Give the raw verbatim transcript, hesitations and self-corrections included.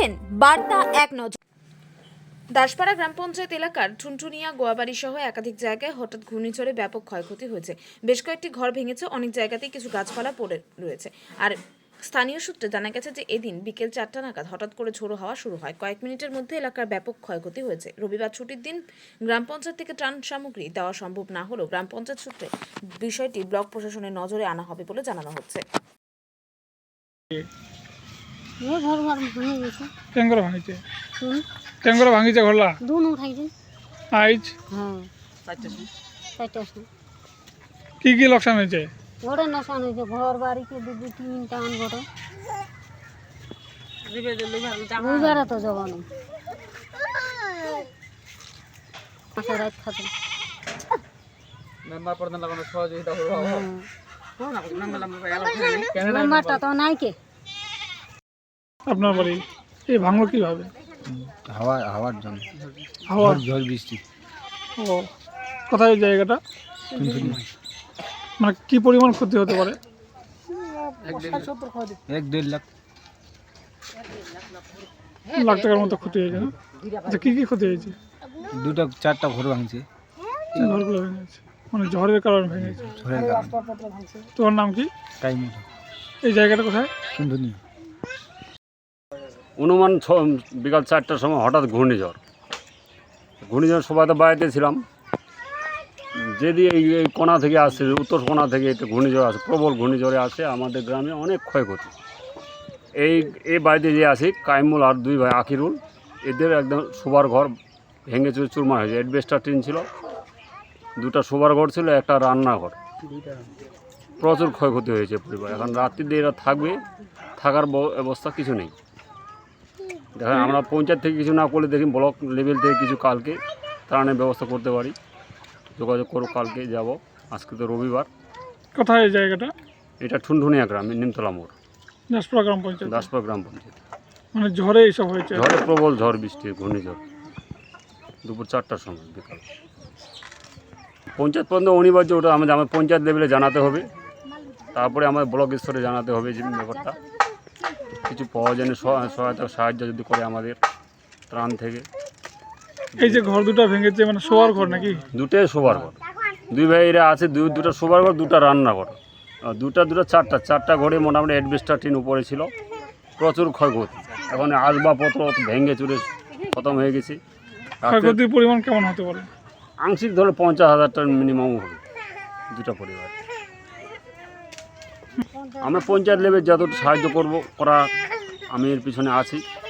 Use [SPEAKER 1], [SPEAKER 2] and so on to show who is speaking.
[SPEAKER 1] দেখছেন বার্তা এক নজর। দাসপাড়া গ্রাম পঞ্চায়েত এলাকার টুনটুনিয়া গোয়াবাড়ি সহ একাধিক জায়গায় হঠাৎ ঘূর্ণিঝড়ে ব্যাপক ক্ষয়ক্ষতি হয়েছে। বেশ কয়েকটি ঘর ভেঙেছে, অনেক জায়গাতেই কিছু গাছপালা পড়ে রয়েছে। আর স্থানীয় সূত্রে জানা গেছে যে এদিন বিকেল চারটা নাগাদ হঠাৎ করে ঝোড়ো হাওয়া শুরু হয়। কয়েক মিনিটের মধ্যে এলাকার ব্যাপক ক্ষয়ক্ষতি হয়েছে। রবিবার ছুটির দিন গ্রাম পঞ্চায়েত থেকে ত্রাণ সামগ্রী দেওয়া সম্ভব না হলেও গ্রাম পঞ্চায়েত সূত্রে বিষয়টি ব্লক প্রশাসনের নজরে আনা হবে বলে জানানো হচ্ছে।
[SPEAKER 2] ये घर घर भांगी गई
[SPEAKER 3] टेंगर भांगी
[SPEAKER 2] हम्म
[SPEAKER 3] टेंगर भांगी घरला
[SPEAKER 2] दोनों उठाई गई
[SPEAKER 3] आइज
[SPEAKER 2] हाँ चारटा से
[SPEAKER 3] की की लोकसान হয়েছে
[SPEAKER 2] घरे नसान है घर बाड़ी के दू दू तीन टान घरे रविवार तो जगह नहीं मासा रात खाते
[SPEAKER 4] मेंबर प्रधान लगानो सहयोगिता हो हो ना मेंबर मेंबर
[SPEAKER 2] मेंबरটা তো নাই কে
[SPEAKER 3] আপনার বাড়ি এই ভাঙলো কিভাবে?
[SPEAKER 5] হাওয়া হাওয়ার জন্য
[SPEAKER 3] হাওয়া
[SPEAKER 5] ঝড় বৃষ্টি
[SPEAKER 3] ও কোথায় এই জায়গাটা? মানে কি পরিমাণ ক্ষতি হতে পারে?
[SPEAKER 5] এক দেড় লাখ
[SPEAKER 3] লাখ টাকার মতো ক্ষতি হয়েছে না? আচ্ছা কি কি ক্ষতি হয়েছে?
[SPEAKER 5] দুটা চারটা ঘর ভাঙছে
[SPEAKER 3] ঘরগুলো ভেঙে গেছে, মানে ঝড়ের কারণে ভেঙে গেছে।
[SPEAKER 5] ঝড়ের কারণে
[SPEAKER 3] তোমার নাম কি?
[SPEAKER 5] টাইম
[SPEAKER 3] এই জায়গাটা কোথায়?
[SPEAKER 5] সুন্দরী
[SPEAKER 6] অনুমান বিকাল চারটার সময় হঠাৎ ঘূর্ণিঝড় ঘূর্ণিঝড় সবাই তো বাড়িতে ছিলাম। যদি এই এই কোণা থেকে আসছে, উত্তর কোণা থেকে একটা ঘূর্ণিঝড় আসে, প্রবল ঘূর্ণিঝড়ে আসে, আমাদের গ্রামে অনেক ক্ষয়ক্ষতি। এই এই বাড়িতে যে আছে কাইমুল আর দুই ভাই আকিরুল, এদের একদম শোবার ঘর ভেঙে চুরে চুরমার হয়েছে। অ্যাডবেস্টার টিন ছিল, দুটা শোবার ঘর ছিল, একটা রান্নাঘর। প্রচুর ক্ষয়ক্ষতি হয়েছে পরিবার। এখন রাত্রিতে এরা থাকবে, থাকার ব্যবস্থা কিছু নেই। দেখেন আমরা পঞ্চায়েত থেকে কিছু না করলে দেখি ব্লক লেভেল থেকে কিছু কালকে ত্রাণের ব্যবস্থা করতে পারি। যোগাযোগ করো, কালকে যাব। আজকে তো রবিবার।
[SPEAKER 3] কোথায় এই জায়গাটা?
[SPEAKER 6] এটা ঠুনঠুনিয়া গ্রাম, নিমতলা মোড়,
[SPEAKER 3] দাসপাড়া গ্রাম পঞ্চায়েত।
[SPEAKER 6] দাসপাড়া গ্রাম পঞ্চায়েত।
[SPEAKER 3] মানে ঝড়ে এইসব হয়েছে?
[SPEAKER 6] ঝড়ে প্রবল ঝড় বৃষ্টি, ঘূর্ণিঝড় দুপুর চারটার সময় বিকাল। পঞ্চায়েত পর্যন্ত অনিবার্য, ওটা আমাদের আমার পঞ্চায়েত লেভেলে জানাতে হবে, তারপরে আমাদের ব্লক স্তরে জানাতে হবে যে ব্যাপারটা কিছু পাওয়া যায় না, সহায়তা সাহায্য যদি করে আমাদের ত্রাণ থেকে।
[SPEAKER 3] এই যে ঘর দুটো ভেঙেছে, মানে শোয়ার ঘর নাকি?
[SPEAKER 6] দুটোই শোবার ঘর, দুই ভাইরা আছে, দুই দুটো শোবার ঘর, দুটা রান্নাঘর, দুটা দুটো চারটা চারটা ঘরে মোটামুটি অ্যাডবেস্টার টিন উপরে ছিল। প্রচুর ক্ষয়ক্ষতি, এখন আসবাবপত্র ভেঙে চুরে খতম হয়ে গেছে।
[SPEAKER 3] ক্ষয়ক্ষতির পরিমাণ কেমন হতে পারে?
[SPEAKER 6] আংশিক ধরে পঞ্চাশ হাজার টাকা মিনিমাম হবে দুটা পরিবার। আমরা পঞ্চায়েত লেভেল যতটুকু সাহায্য করব করা, আমি এর পিছনে আছি।